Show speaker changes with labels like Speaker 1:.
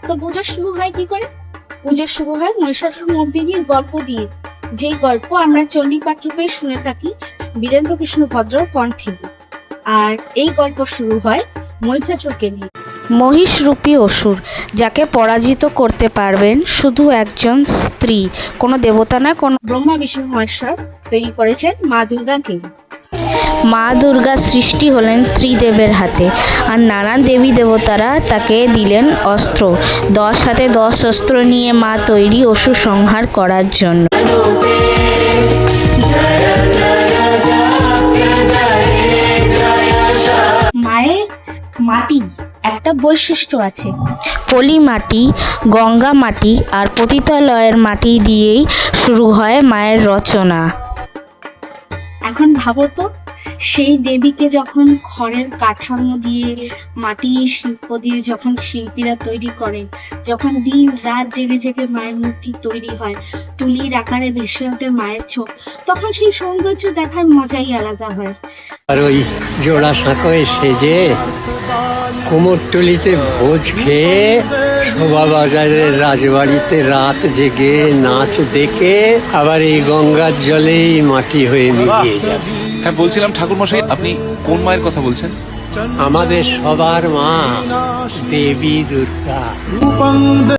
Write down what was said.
Speaker 1: তো পুজো শুরু হয় কি করে? পুজো শুরু হয় মহিষাসুর মর্দিনীর গল্প দিয়ে, যে গল্প আমরা চণ্ডীপাঠ রূপে শুনে থাকি বীরেন্দ্রকৃষ্ণ ভদ্রর কণ্ঠে। আর এই গল্প শুরু হয় মহিষাসুরকে নিয়ে।
Speaker 2: মহিষরূপী অসুর যাকে পরাজিত করতে পারবেন শুধু একজন স্ত্রী, কোনো দেবতা নয়, কোনো
Speaker 1: ব্রহ্মা বিষ্ণু মহেশ্বর তৈরি করেছেন মা দুর্গাকে।
Speaker 2: মা দুর্গার সৃষ্টি হলেন ত্রিদেবের হাতে, আর নানান দেবী দেবতারা তাকে দিলেন অস্ত্র। 10 হাতে 10 অস্ত্র নিয়ে মা তৈরি অসুর সংহার করার জন্য।
Speaker 1: মায়ের মাটি একটা বৈশিষ্ট্য আছে,
Speaker 2: পলি মাটি, গঙ্গা মাটি আর পতিতালয়ের মাটি দিয়েই শুরু হয় মায়ের রচনা।
Speaker 1: এখন ভাবো তো, সেই দেবীকে যখন খড়ের কাঠামো দিয়ে, মাটির শিল্প দিয়ে যখন শিল্পীরা তৈরি করেন, যখন দিন রাত জেগে জেগে মায়ের মূর্তি তৈরি হয়, তুলির আকারে ভেসে ওঠে মায়ের চোখ, তখন সেই সৌন্দর্য দেখার মজাই আলাদা হয়।
Speaker 3: আর ওই জোড়া সাঁকোয় সেজে কুমোরটুলিতে ভোজ খেয়ে শোভাবাজারের রাজবাড়িতে রাত জেগে নাচ দেখে আবার এই গঙ্গার জলেই মাটি হয়ে মিলিয়ে যাবে।
Speaker 4: হ্যাঁ, বলছিলাম ঠাকুরমশাই, আপনি কোন মায়ের কথা বলছেন?
Speaker 3: আমাদের সবার মা দেবী দুর্গা।